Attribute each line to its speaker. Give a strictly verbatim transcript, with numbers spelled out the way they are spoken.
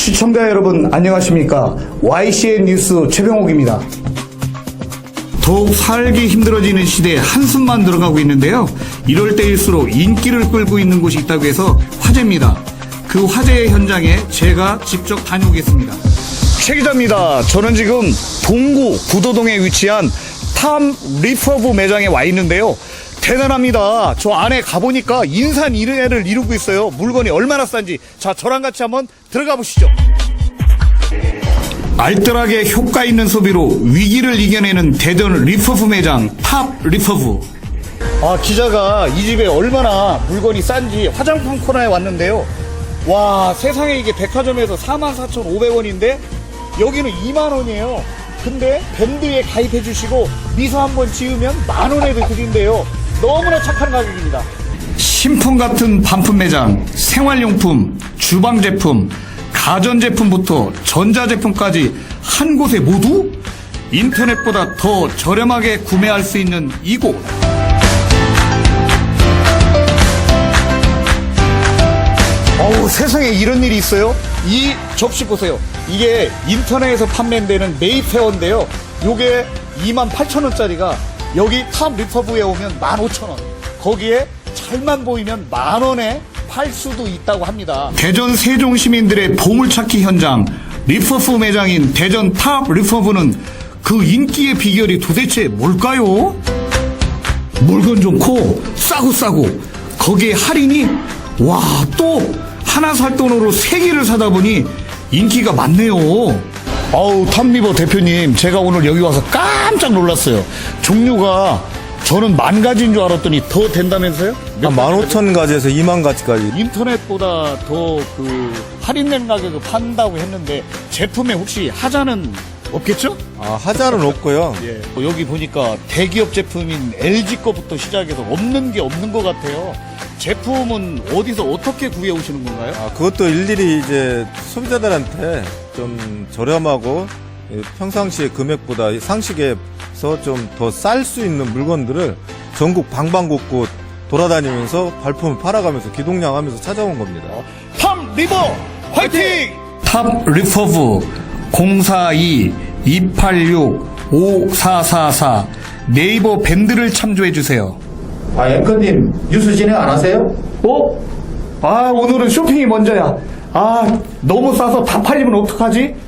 Speaker 1: 시청자 여러분 안녕하십니까. 와이씨엔 뉴스 최병옥입니다. 더욱 살기 힘들어지는 시대에 한숨만 들어가고 있는데요. 이럴 때일수록 인기를 끌고 있는 곳이 있다고 해서 화제입니다. 그 화제의 현장에 제가 직접 다녀오겠습니다. 최 기자입니다. 저는 지금 동구 구도동에 위치한 탐 리퍼브 매장에 와 있는데요. 대단합니다. 저 안에 가보니까 인산인해를 이루고 있어요. 물건이 얼마나 싼지. 자, 저랑 같이 한번 들어가 보시죠. 알뜰하게 효과 있는 소비로 위기를 이겨내는 대전 리퍼브 매장 탑 리퍼브. 아, 기자가 이 집에 얼마나 물건이 싼지 화장품 코너에 왔는데요. 와, 세상에 이게 백화점에서 사만 사천오백 원인데 여기는 이만 원이에요. 근데 밴드에 가입해 주시고 미소 한번 지으면 만 원에도 드린대요. 너무나 착한 가격입니다. 신품 같은 반품 매장, 생활용품, 주방제품, 가전제품부터 전자제품까지 한 곳에 모두 인터넷보다 더 저렴하게 구매할 수 있는 이곳. 어우, 세상에 이런 일이 있어요? 이 접시 보세요. 이게 인터넷에서 판매되는 메이페어인데요. 요게 이만 팔천 원짜리가 여기 탑 리퍼브에 오면 만 오천 원. 거기에 잘만 보이면 만 원에 팔 수도 있다고 합니다. 대전 세종 시민들의 보물찾기 현장 리퍼브 매장인 대전 탑 리퍼브는 그 인기의 비결이 도대체 뭘까요? 물건 좋고 싸고 싸고 거기에 할인이 와, 또 하나 살 돈으로 세 개를 사다 보니 인기가 많네요. 아우, 탑리버 대표님, 제가 오늘 여기 와서 깜짝 놀랐어요. 종류가 저는 만 가지인 줄 알았더니 더 된다면서요?
Speaker 2: 한 만 오천 가지에서 이만 가지까지.
Speaker 1: 인터넷보다 더 그 할인된 가격을 판다고 했는데 제품에 혹시 하자는 없겠죠?
Speaker 2: 아, 하자는 없고요.
Speaker 1: 예. 뭐 여기 보니까 대기업 제품인 엘지 거부터 시작해서 없는 게 없는 것 같아요. 제품은 어디서 어떻게 구해 오시는 건가요?
Speaker 2: 아, 그것도 일일이 이제 소비자들한테 좀 저렴하고 평상시의 금액보다 상식에서 좀 더 쌀 수 있는 물건들을 전국 방방곡곡 돌아다니면서 발품을 팔아가면서 기동량하면서 찾아온 겁니다.
Speaker 1: 탑 리버 화이팅! 탑 리퍼브 공사이 이팔육 오사사사 네이버 밴드를 참조해주세요.
Speaker 3: 아, 앵커님, 뉴스 진행 안 하세요?
Speaker 1: 어? 아, 오늘은 쇼핑이 먼저야. 아, 너무 싸서 다 팔리면 어떡하지?